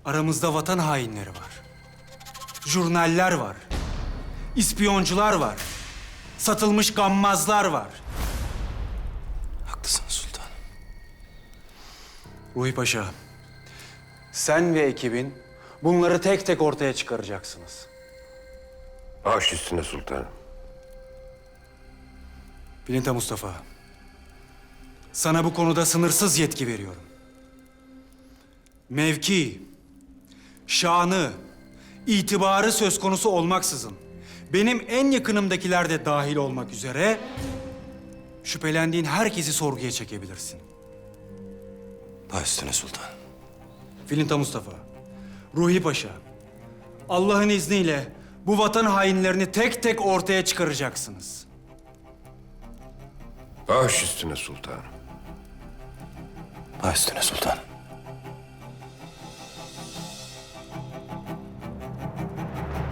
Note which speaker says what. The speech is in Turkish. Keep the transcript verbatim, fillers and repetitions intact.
Speaker 1: Aramızda vatan hainleri var. Jurnaller var. İspiyoncular var. Satılmış gammazlar var.
Speaker 2: Haklısın sultanım.
Speaker 1: Ruhi Paşa, sen ve ekibin bunları tek tek ortaya çıkaracaksınız.
Speaker 3: Baş üstüne sultanım.
Speaker 1: Bilinta Mustafa, sana bu konuda sınırsız yetki veriyorum. Mevki, şanı, itibarı söz konusu olmaksızın, benim en yakınımdakiler de dahil olmak üzere şüphelendiğin herkesi sorguya çekebilirsin.
Speaker 2: Baş üstüne sultanım.
Speaker 1: Filinta Mustafa, Ruhi Paşa, Allah'ın izniyle bu vatan hainlerini tek tek ortaya çıkaracaksınız.
Speaker 3: Baş üstüne sultanım.
Speaker 2: Baş üstüne sultanım.